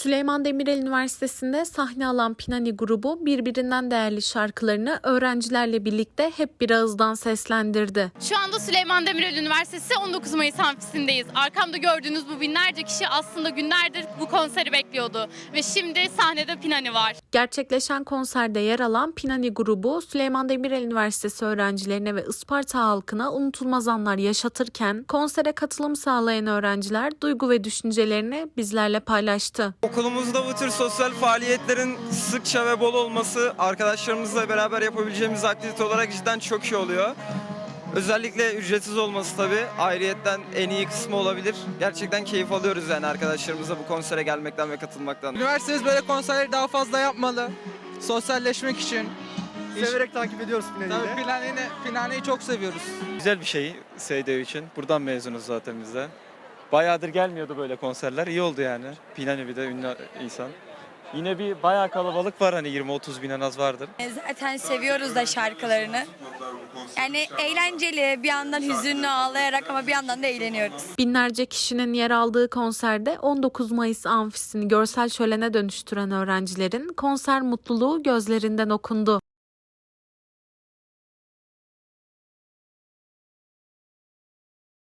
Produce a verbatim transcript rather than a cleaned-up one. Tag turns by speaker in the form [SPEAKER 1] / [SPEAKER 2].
[SPEAKER 1] Süleyman Demirel Üniversitesi'nde sahne alan Pinani grubu birbirinden değerli şarkılarını öğrencilerle birlikte hep bir ağızdan seslendirdi.
[SPEAKER 2] Şu anda Süleyman Demirel Üniversitesi on dokuz Mayıs amfisindeyiz. Arkamda gördüğünüz bu binlerce kişi aslında günlerdir bu konseri bekliyordu. Ve şimdi sahnede Pinani var.
[SPEAKER 1] Gerçekleşen konserde yer alan Pinani grubu Süleyman Demirel Üniversitesi öğrencilerine ve Isparta halkına unutulmaz anlar yaşatırken konsere katılım sağlayan öğrenciler duygu ve düşüncelerini bizlerle paylaştı.
[SPEAKER 3] Okulumuzda bu tür sosyal faaliyetlerin sıkça ve bol olması arkadaşlarımızla beraber yapabileceğimiz aktivite olarak cidden çok iyi oluyor. Özellikle ücretsiz olması tabii ayrıyetten en iyi kısmı olabilir. Gerçekten keyif alıyoruz yani arkadaşlarımızla bu konsere gelmekten ve katılmaktan.
[SPEAKER 4] Üniversitemiz böyle konserleri daha fazla yapmalı. Sosyalleşmek için.
[SPEAKER 5] Severek takip ediyoruz Pinani'yi.
[SPEAKER 4] Tabii Pinani'yi, Pinani'yi çok seviyoruz.
[SPEAKER 6] Güzel bir şey S D U için. Buradan mezunuz zaten biz de. Bayağıdır gelmiyordu böyle konserler. İyi oldu yani. Pinani bir de ünlü insan. Yine bir bayağı kalabalık var, hani yirmi otuz bin en az vardır.
[SPEAKER 7] Zaten seviyoruz da şarkılarını. Yani eğlenceli, bir yandan hüzünlü ağlayarak ama bir yandan da eğleniyoruz.
[SPEAKER 1] Binlerce kişinin yer aldığı konserde on dokuz Mayıs amfisini görsel şölene dönüştüren öğrencilerin konser mutluluğu gözlerinden okundu.